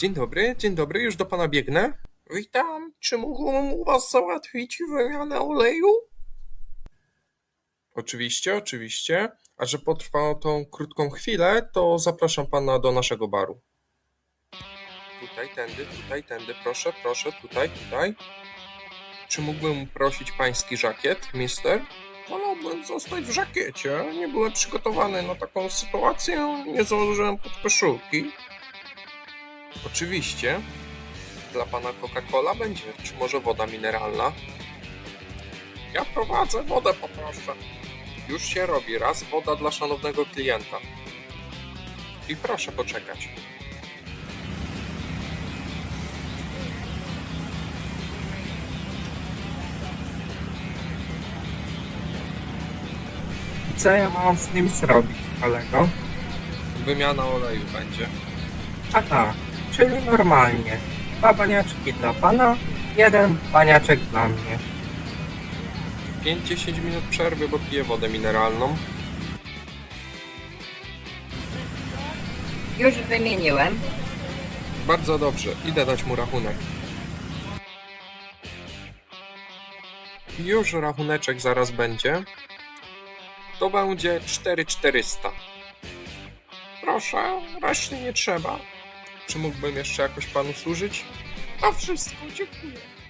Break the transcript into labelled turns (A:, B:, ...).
A: Dzień dobry, już do pana biegnę. Witam, czy mógłbym u was załatwić wymianę oleju? Oczywiście. A że potrwa tą krótką chwilę, to zapraszam pana do naszego baru. Tędy, proszę, tutaj. Czy mógłbym prosić pański żakiet, mister? Wolałbym zostać w żakiecie. Nie byłem przygotowany na taką sytuację, nie założyłem podkoszulki. Oczywiście. Dla pana Coca-Cola będzie, czy może woda mineralna? Ja prowadzę, wodę poproszę. Już się robi, raz woda dla szanownego klienta. I proszę poczekać. Co ja mam z nim zrobić, kolego? Wymiana oleju będzie. Aha, czyli normalnie. 2 baniaczki dla pana, 1 baniaczek dla mnie. 5-10 minut przerwy, bo piję wodę mineralną.
B: Już wymieniłem.
A: Bardzo dobrze, idę dać mu rachunek. Już rachuneczek zaraz będzie. To będzie 4400. Proszę, reszty nie trzeba. Czy mógłbym jeszcze jakoś panu służyć? To wszystko, dziękuję.